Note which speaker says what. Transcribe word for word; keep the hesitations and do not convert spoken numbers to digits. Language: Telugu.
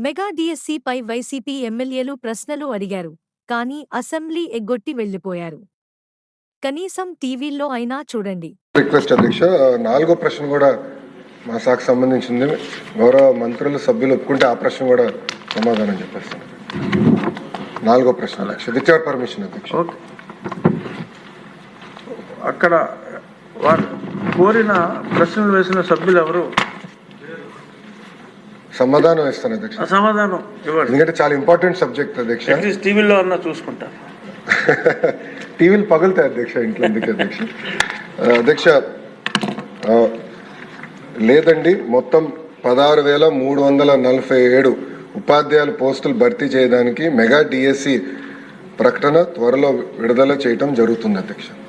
Speaker 1: మెగా డిఎస్సిపై వైసీపీ ఎమ్మెల్యేలు ప్రశ్నలు అడిగారు, కానీ అసెంబ్లీ ఎగ్గొట్టి వెళ్లిపోయారు. కనీసం టీవీల్లో అయినా చూడండి.
Speaker 2: రిక్వెస్ట్ అధ్యక్ష, నాలుగో ప్రశ్న కూడా మా శాఖకు సంబంధించింది. గౌరవ మంత్రులు సభ్యులు ఒప్పుకుంటే ఆ ప్రశ్న కూడా సమాధానం చెప్పేస్తాను. నాలుగో ప్రశ్న అధ్యక్ష, విత్ యువర్ పర్మిషన్ అధ్యక్ష.
Speaker 3: అక్కడ వారు కోరిన ప్రశ్నలు వేసిన సభ్యులు ఎవరు?
Speaker 2: సమాధానం ఇస్తాను అధ్యక్ష.
Speaker 3: సమాధానం ఇవ్వండి,
Speaker 2: ఎందుకంటే చాలా ఇంపార్టెంట్ సబ్జెక్ట్ అధ్యక్ష.
Speaker 3: టీవీలో అన్నా చూసుకుంటారు.
Speaker 2: టీవీలు పగులుతాయి అధ్యక్ష, ఇంట్లో ఎందుకు అధ్యక్ష? అధ్యక్ష లేదండి, మొత్తం పదహారు వేల మూడు వందల నలభై ఏడు ఉపాధ్యాయుల పోస్టులు భర్తీ చేయడానికి మెగా డిఎస్సి ప్రకటన త్వరలో విడుదల చేయటం జరుగుతుంది అధ్యక్ష.